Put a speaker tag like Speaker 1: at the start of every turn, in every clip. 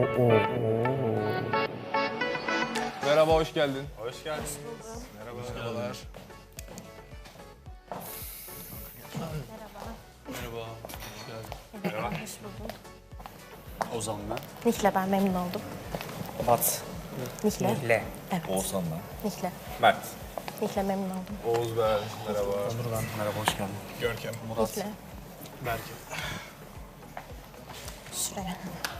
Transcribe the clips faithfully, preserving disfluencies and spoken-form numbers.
Speaker 1: oo, oo.
Speaker 2: Merhaba, hoş geldin.
Speaker 3: Hoş geldin. Merhaba. Merhabalar.
Speaker 4: Merhaba. Hoş geldin.
Speaker 3: Merhaba.
Speaker 5: Hoş buldum.
Speaker 4: Ozan ben.
Speaker 5: Nihle ben memnun oldum.
Speaker 2: Bat.
Speaker 5: Nihle.
Speaker 2: Nihle.
Speaker 5: Evet.
Speaker 2: Oğuzhan ben.
Speaker 5: Nihle.
Speaker 2: Mert.
Speaker 5: Nihle memnun oldum.
Speaker 3: Oğuz ben. Merhaba.
Speaker 4: Onur ben. Merhaba, hoş geldin.
Speaker 3: Görkem.
Speaker 5: Nihle.
Speaker 4: Berke.
Speaker 5: Şuraya.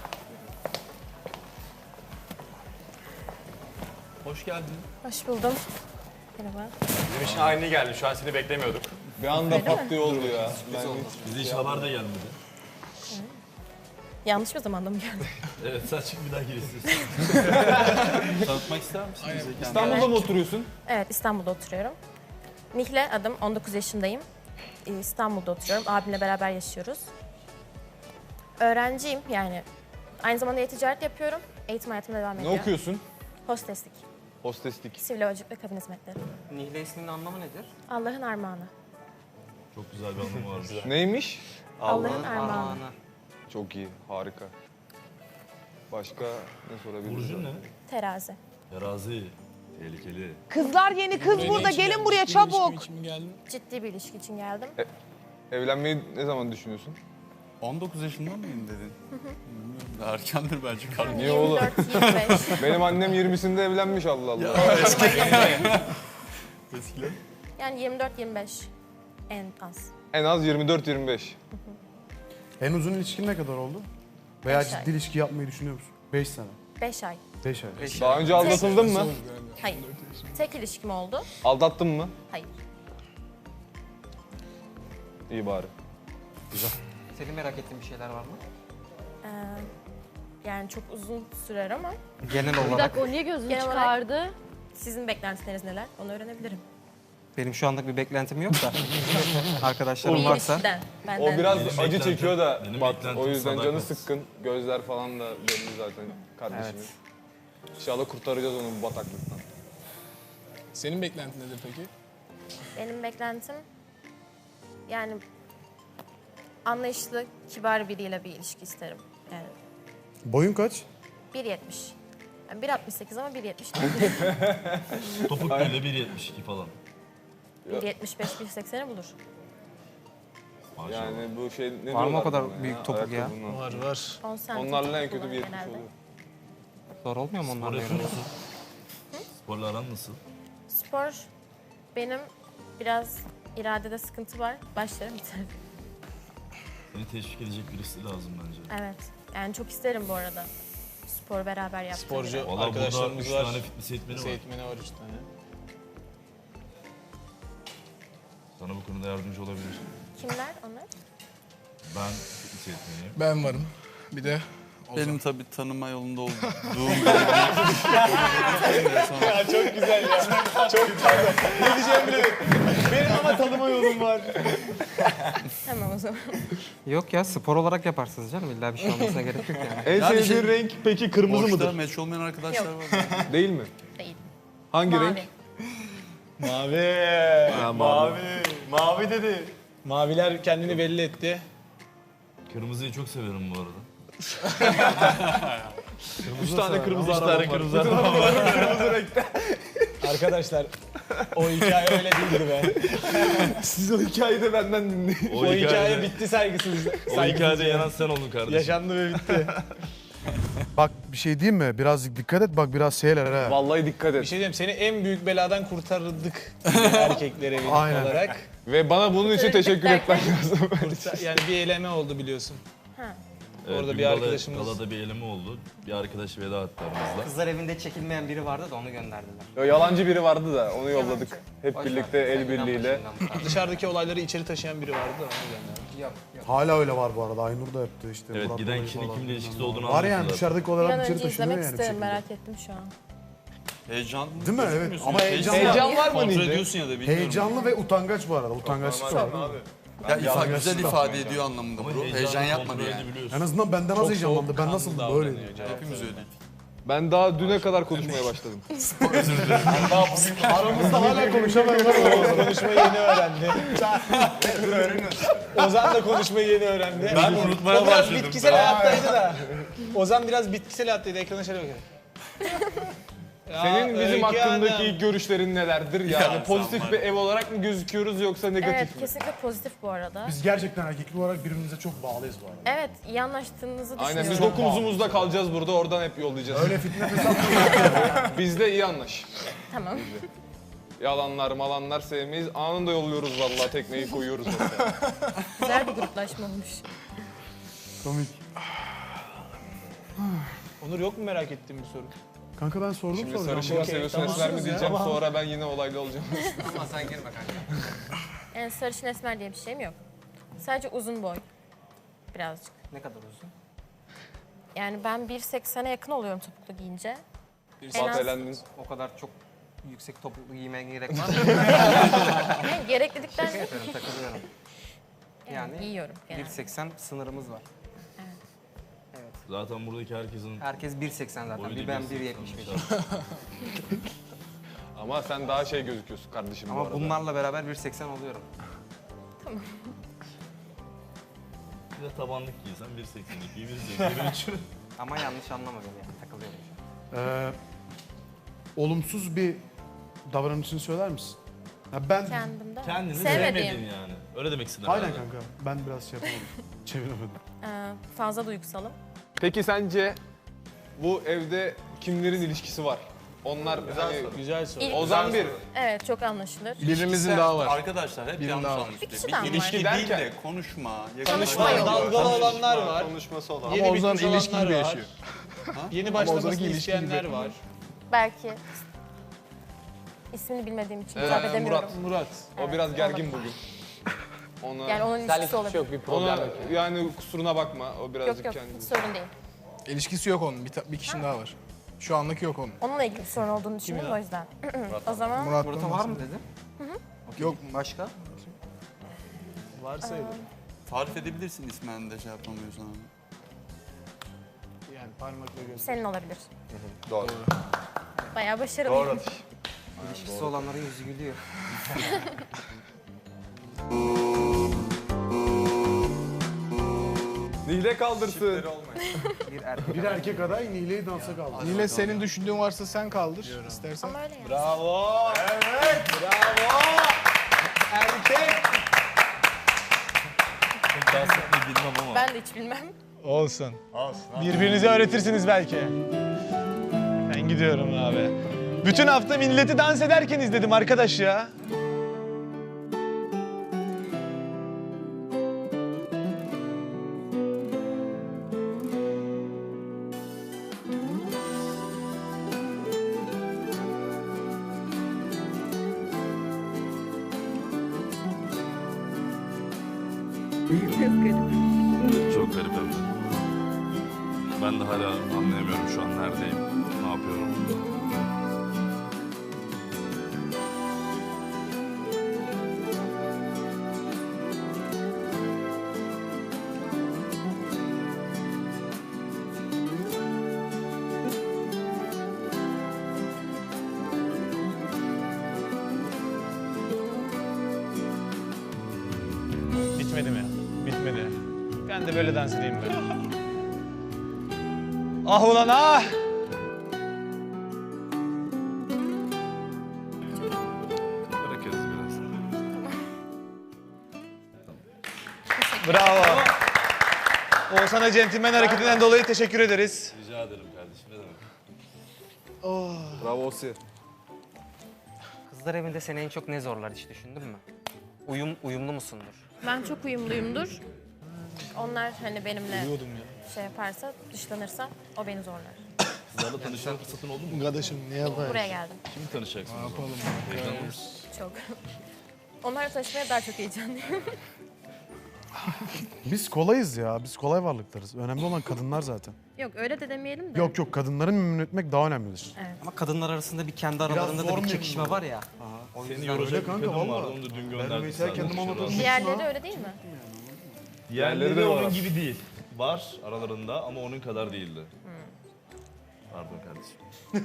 Speaker 4: Hoş geldin.
Speaker 5: Hoş buldum. Merhaba.
Speaker 3: Bizim için aynı geldi. Şu an seni beklemiyorduk.
Speaker 2: Bir anda pat diye oldu ya. Ben
Speaker 4: Bize hiç haber de gelmedi.
Speaker 5: Yanlış bir zamanda mı geldin?
Speaker 4: Evet, sen çık bir daha gir istiyorsan. Tanıtmak ister misin bize kendini?
Speaker 2: İstanbul'da mı oturuyorsun?
Speaker 5: Evet, İstanbul'da oturuyorum. Nihle adım, on dokuz yaşındayım. Ee, İstanbul'da oturuyorum. Abimle beraber yaşıyoruz. Öğrenciyim yani. Aynı zamanda e-ticaret yapıyorum. Eğitim hayatım devam
Speaker 2: Ne
Speaker 5: ediyor.
Speaker 2: okuyorsun?
Speaker 5: Hosteslik,
Speaker 2: Hosteslik.
Speaker 5: sivil havacılık ve kabin hizmetleri.
Speaker 6: Nihle isminin anlamı nedir?
Speaker 5: Allah'ın armağanı.
Speaker 4: Çok güzel bir anlamı varmış.
Speaker 2: Neymiş?
Speaker 5: Allah'ın armağanı.
Speaker 2: Çok iyi, harika. Başka ne sorabiliriz?
Speaker 4: Burcun ne?
Speaker 5: Terazi.
Speaker 4: Terazi. Tehlikeli.
Speaker 7: Kızlar yeni kız burada. Gelin buraya çabuk.
Speaker 5: Ciddi bir ilişki için geldim.
Speaker 2: Evlenmeyi ne zaman düşünüyorsun?
Speaker 8: on dokuz yaşından mıyım dedin? Bilmiyorum. Daha erkendir bence kardeşim.
Speaker 2: Niye oğlum?
Speaker 5: yirmi dört yirmi beş.
Speaker 2: Benim annem yirmisinde evlenmiş Allah Allah.
Speaker 8: Eskiler.
Speaker 5: Yani yirmi dört yirmi beş en az.
Speaker 2: En az yirmi dört yirmi beş.
Speaker 1: En uzun ilişkin ne kadar oldu? Veya
Speaker 5: Beş
Speaker 1: ciddi
Speaker 5: ay.
Speaker 1: ilişki yapmayı düşünüyor musun? Beş sene.
Speaker 5: beş ay.
Speaker 1: Beş ay.
Speaker 2: Daha önce aldatıldın mı?
Speaker 5: Hayır. Tek ilişkim oldu.
Speaker 2: Aldattın mı?
Speaker 5: Hayır.
Speaker 2: İyi bari.
Speaker 6: Senin merak ettiğin bir şeyler var mı?
Speaker 5: Ee, yani çok uzun sürer ama
Speaker 6: Genel
Speaker 9: Bir
Speaker 6: olarak
Speaker 9: dakika o niye gözünü
Speaker 5: Genel olarak-
Speaker 9: çıkardı?
Speaker 5: sizin beklentileriniz neler? Onu öğrenebilirim.
Speaker 6: benim şu anlık bir beklentim yok da
Speaker 5: Bir
Speaker 6: arkadaşlarım varsa
Speaker 5: ilişkiden, benden.
Speaker 2: O biraz
Speaker 4: Benim
Speaker 2: acı
Speaker 4: beklentim-
Speaker 2: çekiyor da
Speaker 4: benim
Speaker 2: Bat.
Speaker 4: beklentim
Speaker 2: O yüzden canı
Speaker 4: sadakat.
Speaker 2: sıkkın. Gözler falan da belli zaten kardeşimin.
Speaker 6: Evet.
Speaker 2: İnşallah kurtaracağız onu bu bataklıktan.
Speaker 10: Senin beklentin nedir peki?
Speaker 5: Benim beklentim yani anlayışlı, kibar biriyle bir ilişki isterim. Yani
Speaker 1: Boyun kaç?
Speaker 5: bir yetmiş. Yani bir altmış sekiz ama bir yetmiş değil.
Speaker 4: Topuk böyle bir yetmiş iki falan.
Speaker 5: bir yetmiş beş bir sekseni bulur.
Speaker 4: Maşallah.
Speaker 2: Yani bu şey ne
Speaker 6: Var mı o
Speaker 2: diyorlar
Speaker 6: kadar
Speaker 2: buna
Speaker 6: büyük topuk ya?
Speaker 2: Ayakkabına.
Speaker 10: Var var.
Speaker 5: on santim
Speaker 2: Onlarla en
Speaker 5: topuk
Speaker 2: kötü bir
Speaker 5: kullanır
Speaker 2: yetmiş
Speaker 5: genelde.
Speaker 2: oluyor.
Speaker 6: zor olmuyor mu
Speaker 4: Spor
Speaker 6: onlarla
Speaker 4: yapıyor
Speaker 6: yürümek?
Speaker 4: musun? Sporla aran nasıl?
Speaker 5: Spor benim biraz iradede sıkıntı var. Başlarım biter.
Speaker 4: Seni teşvik edecek birisi lazım bence.
Speaker 5: Evet. Yani çok isterim bu arada. Spor beraber yaptığım.
Speaker 10: Sporcu
Speaker 4: Valla burada
Speaker 10: arkadaşlarımız
Speaker 4: üç
Speaker 10: var.
Speaker 4: tane fitness eğitmeni
Speaker 10: Lise
Speaker 4: var.
Speaker 10: eğitmeni var üç tane.
Speaker 4: Sana bu konuda yardımcı olabilir.
Speaker 5: Kimler onlar?
Speaker 4: Ben fitness eğitmeniyim.
Speaker 10: Ben varım. Bir de
Speaker 8: Benim tabii tanıma yolunda olduğum
Speaker 2: Ya çok güzel ya. Çok güzel. Ne diyeceğimi bilemedim. Benim ama tanıma yolum var.
Speaker 5: Tamam o zaman.
Speaker 6: Yok ya spor olarak yaparsınız canım. İlla bir şey olmasına gerek yok yani.
Speaker 2: En
Speaker 8: Yani
Speaker 2: sevdiğin
Speaker 8: şey-
Speaker 2: renk peki kırmızı
Speaker 8: boşta
Speaker 2: mıdır?
Speaker 8: meç olmayan arkadaşlar
Speaker 5: Yok.
Speaker 8: var.
Speaker 2: Değil mi?
Speaker 5: Değil.
Speaker 2: Hangi
Speaker 5: Mavi.
Speaker 2: renk?
Speaker 10: mavi.
Speaker 2: Ha, mavi.
Speaker 10: Mavi dedi. Maviler kendini belli etti.
Speaker 4: Kırmızıyı çok severim bu arada.
Speaker 2: Üç tane kırmızı
Speaker 4: Üç
Speaker 2: arabam
Speaker 4: tane
Speaker 2: var.
Speaker 4: kırmızı
Speaker 2: Bütün
Speaker 4: arabam
Speaker 2: arabalarım kırmızı renkte.
Speaker 10: Arkadaşlar o hikaye öyle değildi be.
Speaker 2: Siz o hikayeyi de benden dinleyin.
Speaker 10: O, hikaye bitti saygısız.
Speaker 4: O hikayede yanan sen oldun kardeşim.
Speaker 10: Yaşandı ve bitti.
Speaker 1: Bak bir şey diyeyim mi? Birazcık dikkat et bak biraz şeyler ha.
Speaker 2: Vallahi dikkat
Speaker 10: Bir
Speaker 2: et.
Speaker 10: şey diyeyim seni en büyük beladan kurtardık erkekler evi
Speaker 1: Aynen.
Speaker 10: olarak.
Speaker 2: Ve bana bunun için teşekkür etmen lazım.
Speaker 10: Kurtar- yani bir eleme oldu biliyorsun.
Speaker 5: Ha.
Speaker 4: Evet,
Speaker 10: Orada
Speaker 4: dün
Speaker 10: bir
Speaker 4: gala-
Speaker 10: arkadaşımız-
Speaker 4: Galada bir eleme oldu. Bir arkadaş veda etti aramızda.
Speaker 6: Kızlar evinde çekilmeyen biri vardı da onu gönderdiler.
Speaker 2: Yo, yalancı biri vardı da onu yolladık.
Speaker 5: Yalancı.
Speaker 2: Hep
Speaker 6: Boş
Speaker 2: birlikte
Speaker 6: ver,
Speaker 2: el
Speaker 6: sen inan
Speaker 2: birliğiyle.
Speaker 6: başından bu tarz.
Speaker 10: Dışarıdaki olayları içeri taşıyan biri vardı da onu gönderdik.
Speaker 6: Yok yok.
Speaker 1: Hala öyle var bu arada. Aynur da yaptı işte.
Speaker 4: Evet,
Speaker 1: Murat
Speaker 4: giden
Speaker 1: Bey
Speaker 4: kişinin
Speaker 1: falan
Speaker 4: kimle ilişkisi
Speaker 1: filan.
Speaker 4: olduğunu
Speaker 1: Var yani
Speaker 4: anlatıyorlar.
Speaker 1: dışarıdaki
Speaker 5: Bir
Speaker 1: olaylar
Speaker 5: an
Speaker 1: içeri
Speaker 5: önce
Speaker 1: taşınıyor
Speaker 5: izlemek
Speaker 1: yani. bir
Speaker 5: isterim,
Speaker 1: şekilde.
Speaker 5: merak ettim şu an.
Speaker 8: Heyecan
Speaker 1: Değil mi? Evet.
Speaker 8: gözükmüyorsun
Speaker 1: Ama
Speaker 8: ya.
Speaker 1: heyecanlı.
Speaker 2: Heyecan var mı
Speaker 8: Kontrol
Speaker 2: Nilde?
Speaker 8: ediyorsun ya da bilmiyorum.
Speaker 1: Heyecanlı ve utangaç bu arada. Utangaçlık var.
Speaker 8: Ya ifa, güzel
Speaker 1: Utangaçlık var.
Speaker 8: ifade ediyor anlamında
Speaker 4: Ama
Speaker 8: bu.
Speaker 4: heyecanı
Speaker 8: Heyecan
Speaker 4: kontrol
Speaker 8: yapmadı yani.
Speaker 4: edebiliyorsun.
Speaker 1: En azından benden az heyecanlandı. Ben nasıl böyle?
Speaker 8: Hepimiz öyleydik.
Speaker 2: Ben daha düne kadar konuşmaya başladım.
Speaker 1: Aramızda hala konuşamıyorlar.
Speaker 10: Oğuz konuşmayı yeni öğrendi. Ozan da konuşmayı yeni öğrendi.
Speaker 8: Ben unutmaya
Speaker 10: O biraz
Speaker 8: başladım.
Speaker 10: bitkisel hayattaydı da. Ozan biraz bitkisel hayattaydı. Ekrana şöyle bakıyor. Ya,
Speaker 2: Senin bizim
Speaker 10: Öykü
Speaker 2: hakkındaki
Speaker 10: Hanım.
Speaker 2: ilk görüşlerin nelerdir? Yani
Speaker 8: Ya sen
Speaker 2: pozitif
Speaker 8: var
Speaker 2: bir
Speaker 8: ya.
Speaker 2: ev olarak mı gözüküyoruz yoksa negatif
Speaker 5: Evet,
Speaker 2: mi?
Speaker 5: kesinlikle pozitif bu arada.
Speaker 1: Biz gerçekten erkeklik olarak birbirimize çok bağlıyız bu arada.
Speaker 5: Evet, iyi anlaştığınızı düşünüyorum.
Speaker 2: Aynen biz dokumuzumuzda kalacağız burada, oradan hep yollayacağız.
Speaker 1: Öyle fitne fesat
Speaker 2: Biz de iyi anlaş.
Speaker 5: Tamam.
Speaker 2: Yalanlar malanlar sevmeyiz. Anında yolluyoruz vallahi, tekneyi koyuyoruz oraya.
Speaker 5: Güzel bir gruplaşma olmuş.
Speaker 1: komik.
Speaker 10: Onur yok mu merak ettiğim bir soru?
Speaker 1: Kanka ben sordum
Speaker 2: Şimdi
Speaker 1: soracağım.
Speaker 2: sarışın mı
Speaker 10: Okey,
Speaker 2: seviyorsun,
Speaker 10: tamam.
Speaker 2: esmer mi
Speaker 10: Ya.
Speaker 2: diyeceğim. Sonra ben yine olaylı olacağım.
Speaker 6: Ama sen girme kanka.
Speaker 5: Yani sarışın esmer diye bir şeyim yok. Sadece uzun boy. Birazcık.
Speaker 6: Ne kadar uzun?
Speaker 5: Yani ben bir seksene yakın oluyorum topuklu giyince. En
Speaker 2: Bak
Speaker 5: az-
Speaker 2: elendin.
Speaker 6: O kadar çok yüksek topuklu giymeye gerek var mı?
Speaker 5: Yani gereklilikten
Speaker 6: Yapıyorum, takılıyorum.
Speaker 5: yani
Speaker 6: Yani
Speaker 5: giyiyorum
Speaker 6: bir
Speaker 5: genelde.
Speaker 6: seksen sınırımız var.
Speaker 8: Zaten buradaki herkesin
Speaker 6: Herkes bir seksen zaten.
Speaker 8: boyu
Speaker 6: Bir ben bir yetmiş beş.
Speaker 2: Ama sen daha şey gözüküyorsun kardeşim bu
Speaker 6: Ama
Speaker 2: arada.
Speaker 6: bunlarla beraber bir seksen oluyorum.
Speaker 8: Bir de tabanlık giysen bir seksen iki, bir seksen üç.
Speaker 6: Ama yanlış anlama beni yani. Takılıyorum şu an.
Speaker 1: Ee, olumsuz bir davranışını söyler misin? Ya ben...
Speaker 5: Kendimde.
Speaker 8: Kendini
Speaker 5: Sevmediğim.
Speaker 8: sevmedin yani. Öyle demek istedim.
Speaker 1: Aynen
Speaker 8: herhalde.
Speaker 1: kanka. Ben biraz şey yapamadım. Çeviremedim.
Speaker 5: Ee, fazla duygusalım.
Speaker 2: Peki sence bu evde kimlerin ilişkisi var? Onlar hani
Speaker 10: Güzel soru.
Speaker 5: İl-
Speaker 2: Ozan bir.
Speaker 5: Evet, çok anlaşılır.
Speaker 2: Birimizin daha var.
Speaker 8: Arkadaşlar hep yanlış anlaşılıyor.
Speaker 5: Bir kişiden var.
Speaker 8: İlişki
Speaker 2: Derken-
Speaker 8: değil de konuşma,
Speaker 5: Konuşma yok.
Speaker 10: Dalgalı olanlar var.
Speaker 2: Konuşması olan.
Speaker 10: Yeni Ozan ilişki gibi yaşıyor. Yeni başlamasını isteyenler var.
Speaker 5: Belki ismini bilmediğim için hitap
Speaker 2: Ee,
Speaker 5: edemiyorum.
Speaker 2: Murat. Murat. O
Speaker 5: Evet,
Speaker 2: biraz gergin
Speaker 5: olabilir.
Speaker 2: bugün. Ona,
Speaker 5: Yani onun ilişkisi olabilir.
Speaker 10: Yok bir problem
Speaker 2: ona
Speaker 10: yok.
Speaker 2: yani kusuruna bakma. O
Speaker 5: Yok
Speaker 2: birazcık
Speaker 5: yok, hiç
Speaker 2: kendisi.
Speaker 5: sorun değil.
Speaker 9: İlişkisi yok onun. Bir, ta- bir kişinin daha var. Şu anlık yok onun.
Speaker 5: Onunla ilgili bir sorun olduğunu düşünüyorum o yüzden. O zaman
Speaker 9: Murat
Speaker 6: Murat'a var mı dedin?
Speaker 9: Yok.
Speaker 6: Başka?
Speaker 10: Varsa
Speaker 8: Tarif edebilirsin ismen de şey yapamıyorsan.
Speaker 10: yani parmakla göz.
Speaker 5: senin olabilir.
Speaker 2: Doğru.
Speaker 5: Bayağı başarılı.
Speaker 2: Doğru atış.
Speaker 6: İlişkisi olanların yüzü gülüyor.
Speaker 2: Nihle kaldırsın.
Speaker 6: Bir erkek.
Speaker 1: Bir erkek aday Nile'yi dansa kaldı.
Speaker 9: Yine senin düşündüğün varsa sen kaldır istersen.
Speaker 5: Ama öyle yani.
Speaker 10: Bravo. Evet. Bravo. Erkek.
Speaker 8: Pek dans etmeyi bilmem ama.
Speaker 5: Ben de hiç bilmem.
Speaker 10: Olsun. Birbirinize öğretirsiniz belki. Ben gidiyorum abi. Bütün hafta milleti dans ederken izledim arkadaş ya.
Speaker 8: Çok garip hem de. Ben de hala anlayamıyorum şu an neredeyim, ne yapıyorum.
Speaker 10: Bitmedi mi? Bitmedi. Ben de böyle dans edeyim ben. Ah ulan ah!
Speaker 8: Bırakırız biraz.
Speaker 10: Bravo. Oğuzhan'a centilmen hareketinden dolayı teşekkür ederiz.
Speaker 8: Rica ederim kardeşim, ne demek.
Speaker 2: Bravo Osi.
Speaker 6: Kızlar evinde seni en çok ne zorlar hiç düşündün mü? Uyum, uyumlu musundur?
Speaker 5: Ben çok uyumluyumdur. Onlar hani benimle şey yaparsa, dışlanırsa o beni zorlar.
Speaker 8: Kızlarla tanışma fırsatın oldu mu?
Speaker 9: Kardeşim ne yapayım?
Speaker 5: Buraya geldim.
Speaker 8: Kimi tanışacaksınız? Ne yapalım? Heyecanlı mısın?
Speaker 5: Çok. Onlarla tanışmaya daha çok heyecanlıyım.
Speaker 1: Biz kolayız ya. Biz kolay varlıklarız. Önemli olan kadınlar zaten.
Speaker 5: Yok öyle de demeyelim de.
Speaker 1: Yok yok kadınların memnun etmek daha önemlidir.
Speaker 6: Ama kadınlar arasında bir kendi aralarında
Speaker 1: zor
Speaker 6: da bir
Speaker 1: muyum
Speaker 6: çekişme
Speaker 1: bu?
Speaker 6: var ya. O
Speaker 8: Seni
Speaker 6: yüzden
Speaker 8: yoracak bir
Speaker 1: kanka,
Speaker 8: kadın vardı,
Speaker 1: vallahi.
Speaker 8: onu da dün
Speaker 1: Ben
Speaker 8: gönderdim.
Speaker 1: mesela kendim
Speaker 8: sadece.
Speaker 1: anlatamam.
Speaker 5: Diğerleri öyle değil mi?
Speaker 8: Diğerleri
Speaker 2: Diğerleri
Speaker 8: de
Speaker 2: de
Speaker 8: onun
Speaker 2: var.
Speaker 8: gibi değil. Var aralarında ama onun kadar değildi. Pardon kardeşim.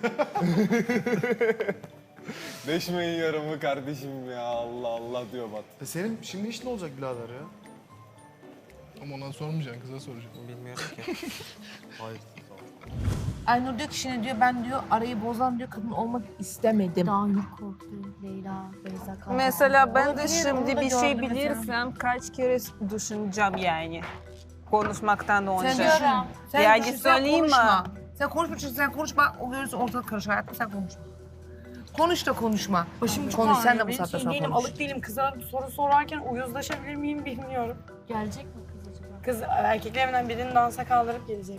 Speaker 2: Deşmeyin yaramı kardeşim ya. Allah Allah diyor Bat.
Speaker 1: E senin şimdi iş ne olacak birader ya?
Speaker 9: Ama ona sormayacaksın, kıza soracaksın.
Speaker 6: Bilmiyorum ki.
Speaker 1: Hayır.
Speaker 7: Aynur diyor ki şimdi diyor ben diyor arayı bozan diyor kadın olmak istemedim.
Speaker 5: Daha yok korktu Leyla, Beyza kaldı.
Speaker 11: Mesela ben de
Speaker 7: Olabilir,
Speaker 11: şimdi
Speaker 7: onu da
Speaker 11: bir şey
Speaker 7: gördüm mesela.
Speaker 11: bilirsem kaç kere düşüneceğim yani. Konuşmaktan önce.
Speaker 7: Sen düşün. Sen
Speaker 11: Yani
Speaker 7: düşün, sen
Speaker 11: söyleyeyim mi?
Speaker 7: konuşma. Sen konuşma çünkü sen konuşma o görürsün ortalık karışır hayatım sen konuşma. Konuş da konuşma.
Speaker 11: Başım çok
Speaker 7: Konuş sen de
Speaker 11: ağrıyor.
Speaker 7: bu
Speaker 11: Ben
Speaker 7: saatte
Speaker 11: şey
Speaker 7: sonra
Speaker 11: değilim,
Speaker 7: konuş.
Speaker 11: alık değilim. Kıza soru sorarken uyuzlaşabilir miyim bilmiyorum.
Speaker 5: Gelecek mi kız acaba?
Speaker 11: Kız erkeklerinden birini dansa kaldırıp gelecek.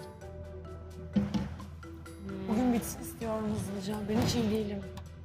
Speaker 11: Bugün bitsin istiyorum hızlıca. Ben hiç iyi değilim.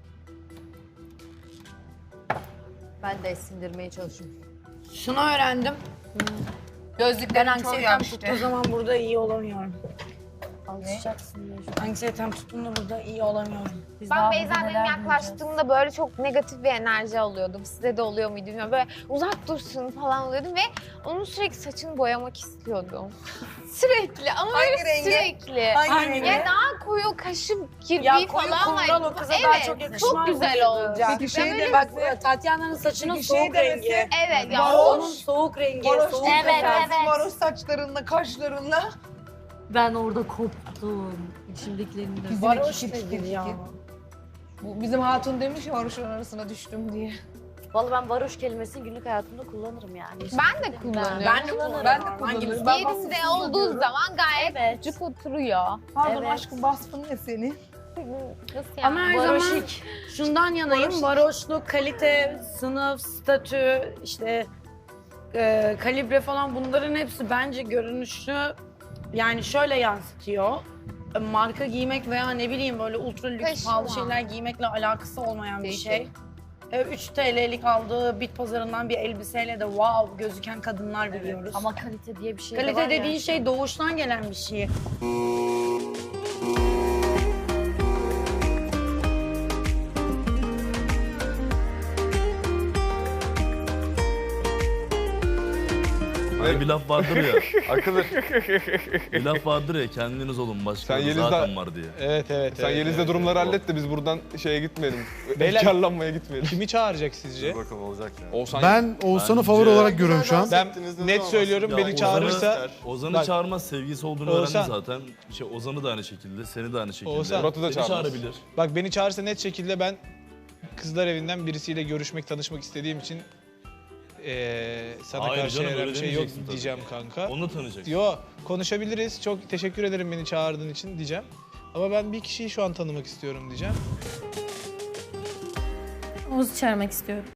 Speaker 12: Ben de sindirmeye çalışıyorum.
Speaker 11: Şunu öğrendim.
Speaker 7: Gözlüklerin çoğu
Speaker 11: Anksiyetem
Speaker 7: yaşlı.
Speaker 11: tuttuğu zaman burada iyi olamıyorum.
Speaker 5: Alışacaksın diye.
Speaker 11: Anksiyetem tuttuğunda burada iyi olamıyorum.
Speaker 5: Biz
Speaker 12: Ben
Speaker 5: daha
Speaker 12: Beyza
Speaker 5: burada
Speaker 12: benim
Speaker 5: neler
Speaker 12: yaklaştığımda böyle çok negatif bir enerji alıyordum. Size de oluyor muydu bilmiyorum. Böyle uzak dursun falan oluyordum ve onun sürekli saçını boyamak istiyordum. Sürekli ama
Speaker 7: Hangi
Speaker 12: böyle
Speaker 7: rengi?
Speaker 12: sürekli.
Speaker 11: Hangi rengi?
Speaker 12: Ya daha koyu kaşı kirpiği
Speaker 11: Ya koyu
Speaker 12: falan
Speaker 11: kumral
Speaker 12: var.
Speaker 11: o kıza
Speaker 12: Evet,
Speaker 11: daha çok yakışmaz
Speaker 12: çok güzel
Speaker 11: mıydı?
Speaker 12: olacak.
Speaker 7: Peki şey
Speaker 12: Ben
Speaker 7: de
Speaker 12: öyle-
Speaker 11: Bak Tatyana'nın saçının
Speaker 7: Peki şey
Speaker 11: soğuk
Speaker 7: demesi-
Speaker 11: rengi.
Speaker 12: Evet ya.
Speaker 11: Baron'un
Speaker 12: o-
Speaker 11: soğuk rengi.
Speaker 7: Varoş
Speaker 11: soğuk
Speaker 5: Evet,
Speaker 11: rengi.
Speaker 5: evet.
Speaker 7: Varoş saçlarınla, kaşlarınla.
Speaker 5: Ben orada koptum. İçimdekilerimden.
Speaker 7: Bizim
Speaker 11: Varoş
Speaker 7: iki, iki,
Speaker 11: nedir
Speaker 7: iki,
Speaker 11: ya?
Speaker 7: iki. Bu bizim hatun demiş ya varoşun arasına düştüm diye.
Speaker 5: Vallahi ben varoş kelimesini günlük hayatımda kullanırım yani. Hiç
Speaker 12: Ben de
Speaker 5: sıkıntı değil.
Speaker 12: kullanıyorum.
Speaker 11: Ben de kullanırım.
Speaker 7: Ben de
Speaker 11: Hangimiz?
Speaker 7: kullanırım.
Speaker 11: Ben
Speaker 12: Yerinde
Speaker 11: vasıfsız
Speaker 12: olduğu
Speaker 11: diyorum.
Speaker 12: zaman gayet
Speaker 5: Evet.
Speaker 12: cuk oturuyor.
Speaker 7: Pardon
Speaker 5: Evet.
Speaker 7: aşkım vasfın ne senin?
Speaker 12: Nasıl yani?
Speaker 11: Ama her zaman
Speaker 5: Varoşik.
Speaker 11: şundan yanayım. Varoşluk, kalite, sınıf, statü, işte e, kalibre falan bunların hepsi bence görünüşü yani şöyle yansıtıyor. E, Marka giymek veya ne bileyim böyle ultra lüks
Speaker 12: Taşıma.
Speaker 11: pahalı şeyler giymekle alakası olmayan bir
Speaker 12: Değişik.
Speaker 11: şey. E, üç T L'lik aldığı bit pazarından bir elbiseyle de wow gözüken kadınlar biliyoruz.
Speaker 5: Ama kalite diye bir şey de var
Speaker 11: kalite
Speaker 5: ya.
Speaker 11: dediğin şey doğuştan gelen bir şey.
Speaker 8: Hani bir laf vardır ya.
Speaker 2: Akılır.
Speaker 8: Bir laf vardır ya kendiniz olun başkaları
Speaker 2: Sen Yeliz'den-
Speaker 8: zaten var diye.
Speaker 10: Evet evet.
Speaker 2: Sen
Speaker 10: evet,
Speaker 2: Yeliz'le
Speaker 10: evet,
Speaker 2: durumları
Speaker 10: evet.
Speaker 2: hallet de biz buradan şeye gitmeyelim.
Speaker 10: Beyler-
Speaker 2: Efkarlanmaya gitmeyelim.
Speaker 10: Kimi çağıracak sizce?
Speaker 3: Bakalım olacak ya.
Speaker 2: Oğuzhan
Speaker 1: Ben Oğuzhan'ı
Speaker 8: Bence-
Speaker 1: favori olarak görüyorum şu an.
Speaker 10: Ben net söylüyorum
Speaker 8: Ya
Speaker 10: beni
Speaker 8: Ozan'ı-
Speaker 10: çağırırsa
Speaker 8: Ozan'ı
Speaker 10: Bak-
Speaker 8: çağırmaz sevgilisi olduğunu
Speaker 10: Oğuzhan.
Speaker 8: öğrendi zaten. Şey, Ozan'ı da aynı şekilde, seni de aynı şekilde.
Speaker 10: Oğuzhan.
Speaker 2: Murat'ı da
Speaker 8: Seni
Speaker 2: çağırmaz.
Speaker 8: çağırabilir.
Speaker 10: bak beni çağırırsa net şekilde ben kızlar evinden birisiyle görüşmek, tanışmak istediğim için eee sana
Speaker 8: Hayır
Speaker 10: karşı
Speaker 8: canım,
Speaker 10: herhangi
Speaker 8: öyle
Speaker 10: bir şey yok
Speaker 8: demeyeceksin tabii.
Speaker 10: diyeceğim kanka.
Speaker 8: Onu tanıyacaksın.
Speaker 10: Yo konuşabiliriz. Çok teşekkür ederim beni çağırdığın için diyeceğim. Ama ben bir kişiyi şu an tanımak istiyorum diyeceğim.
Speaker 5: Oğuz'u çağırmak istiyorum.